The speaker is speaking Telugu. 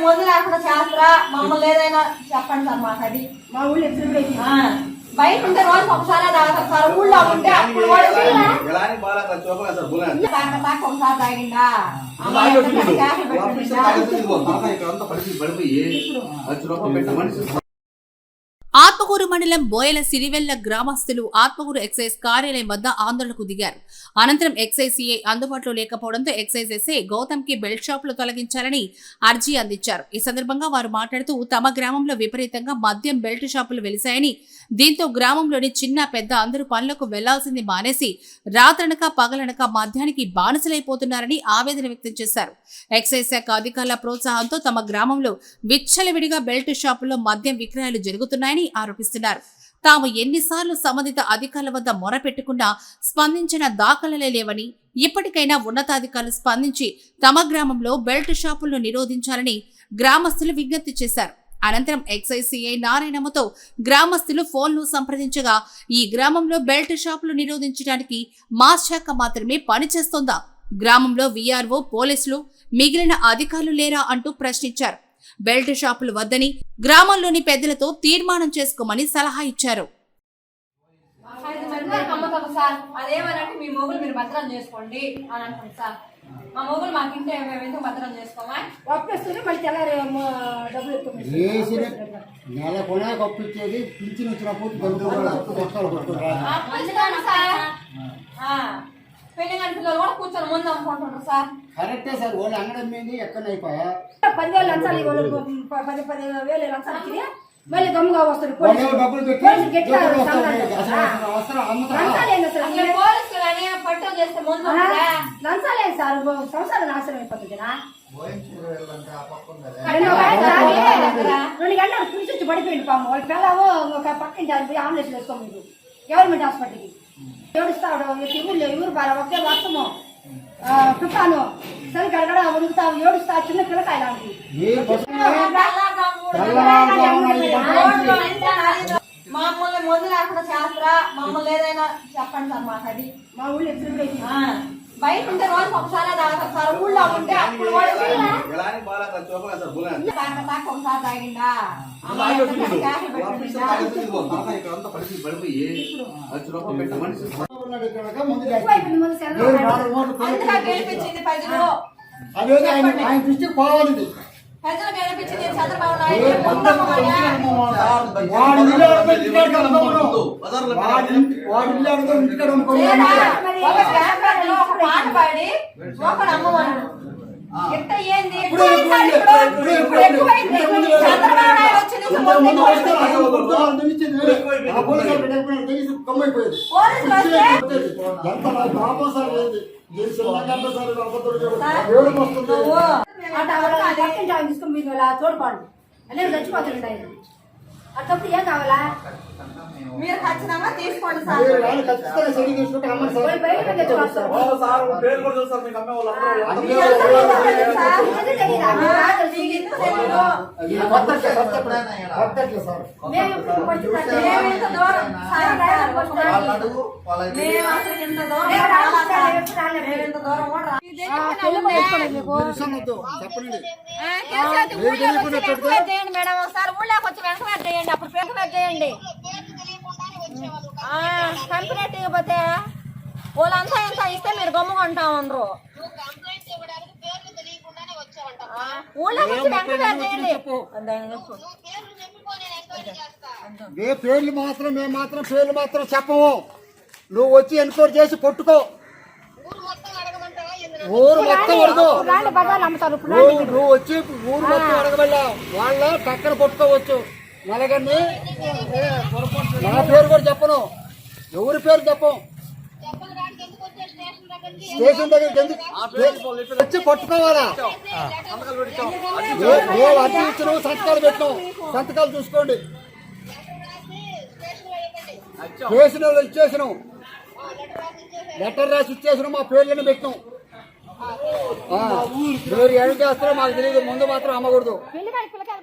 మందు లేకుండా చేస్తారా మమ్మల్ని ఏదైనా చెప్పండి సార్ మాకు అది మా ఊళ్ళో బయట ఉంటే రోజు ఒకసారి తాగుతారు సార్ ఊళ్ళో ఉంటే అప్పుడు ఒకసారి తాగిండా ఆత్మకూరు మండలం బోయల సిరివెల్ల గ్రామస్తులు ఆత్మకూరు ఎక్సైజ్ కార్యాలయం వద్ద ఆందోళనకు దిగారు. అనంతరం ఎక్సైజ్ సిఐ అందుబాటులో లేకపోవడంతో ఎక్సైజ్ ఎస్ఐ గౌతమ్ కి బెల్ట్ షాపులు తొలగించాలని అర్జీ అందించారు. ఈ సందర్భంగా వారు మాట్లాడుతూ తమ గ్రామంలో విపరీతంగా మద్యం బెల్ట్ షాపులు వెలిశాయని, దీంతో గ్రామంలోని చిన్న పెద్ద అందరూ పనులకు వెళ్లాల్సింది మానేసి రాత్రనక పగలనక మద్యానికి బానిసలైపోతున్నారని ఆవేదన వ్యక్తం చేశారు. ఎక్సైజ్ శాఖ అధికారుల ప్రోత్సాహంతో తమ గ్రామంలో విచ్చలవిడిగా బెల్ట్ షాపుల్లో మద్యం విక్రయాలు జరుగుతున్నాయని ఆరోపిస్తున్నారు. తాము ఎన్నిసార్లు సంబంధిత అధికారుల వద్ద మొరపెట్టుకున్నా స్పందించిన దాఖలలే లేవని, ఇప్పటికైనా ఉన్నతాధికారులు స్పందించి తమ గ్రామంలో బెల్ట్ షాపులను నిరోధించాలని గ్రామస్తులు విజ్ఞప్తి చేశారు. అనంతరం ఎక్సైజ్ సిఐ నారాయణమ్మతో గ్రామస్తులు ఫోన్లు సంప్రదించగా ఈ గ్రామంలో బెల్ట్ షాపులు నిరోధించడానికి మా శాఖ మాత్రమే పనిచేస్తోందా, గ్రామంలో వీఆర్ఓ పోలీసులు మిగిలిన అధికారులు లేరా అంటూ ప్రశ్నించారు. బెల్ట్ షాపులు వద్దని గ్రామంలోని పెద్దలతో తీర్మానం చేసుకోమని సలహా ఇచ్చారు. అదేమనంటే మీ మొగులు మీరు భద్రం చేసుకోండి అని అంటారు సార్. మా మొగులు మాకింటే ఎందుకు భద్రం చేసుకోమా ఒప్పేస్తుంది మళ్ళీ తెల్లారి డబ్బులు నెల కొనే కప్పించేది పింఛన్ వచ్చినప్పుడు పెళ్లి గంట పిల్లలు కూడా కూర్చొని ముందు అమ్ముకుంటున్నారు సార్. కరెక్టే సార్. వాళ్ళు అంగడమైంది ఎక్కడ అయిపోయా 10,000 లంచాలు 10,000 లంచాలు ఇచ్చి మళ్ళీ దమ్ముగా వస్తారు పోలీసులు పట్టు చేస్తే ముందు లంచాలే సార్. సంవత్సరాలు నాశనం అయిపోతుంది. 2 గంటలు కూర్చొచ్చి పడిపోయింది పాము. వాళ్ళ పిల్లలు ఒక పక్కింటి పోయి ఆంబులెన్స్ వేసుకోండి మీరు గవర్నమెంట్ హాస్పిటల్కి. ఏడుస్తాడు ఊరు బాగా ఒకే వర్షము తుఫాను సరి గడగడ ఉడుకుతావు ఏడుస్తా చిన్న పిల్లకాయ లాంటి మమ్మల్ని మందు లేకుండా చేస్తారా మమ్మల్ని ఏదైనా చెప్పండి సార్ మాకు అది మా ఊళ్ళో బయట ఉంటే రోజు ఒకసారి తాగుతారు సార్ ఊళ్ళో ఉంటే అప్పుడు ఒకసారి తాగిండా గెలిపించింది ప్రజలు ప్రజలు గెలిపించింది చంద్రబాబు నాయుడు ఒక పాట పాడి ఒకడు అమ్మవాడు ఎంత ఏంది చంద్రబాబు నాయుడు వచ్చింది తీసుకుని మీరు ఇలా తోడుకోండి అనేది చచ్చిపోతుంది ఆయన. అప్పుడు ఏం కావాలా మీరు ఖచ్చితంగా తీసుకోండి సార్. మేడం ఒకసారి ఊళ్ళోకి వచ్చి వెంకవేట్ చేయండి. అప్పుడు వెంకవేట్ చేయండి. కంప్లైంట్ ఇవ్వకపోతే వాళ్ళంతా ఎంత ఇస్తే మీరు గమ్ముకుంటా ఉండరు. ఊళ్ళోకి వచ్చి వెంకవేట్ చేయండి. పేర్లు మాత్రం మేము మాత్రం పేర్లు మాత్రం చెప్పము. నువ్వు వచ్చి ఎన్క్వైరీ చేసి కొట్టుకో. ఊరు మొత్తం అడగదు. నువ్వు వచ్చి ఊరు మొత్తం అడగబల్లా వాళ్ళ పక్కన కొట్టుకోవచ్చు. నలగన్ని నా పేరు కూడా చెప్పను, ఎవరి పేరు చెప్పం. స్టేషన్ దగ్గరికి ఎందుకు వచ్చి పట్టుకోవాలా? మేము అడ్డు ఇచ్చినాము, సంతకాలు పెట్టినాం. సంతకాలు చూసుకోండి. స్టేషన్ ఇచ్చేసినాం, లెటర్ రాసి ఇచ్చేసినాం, మా పేర్లను పెట్టినాం. మీరు ఏం చేస్తారో మాకు తెలియదు. ముందు మాత్రం అమ్మకూడదు.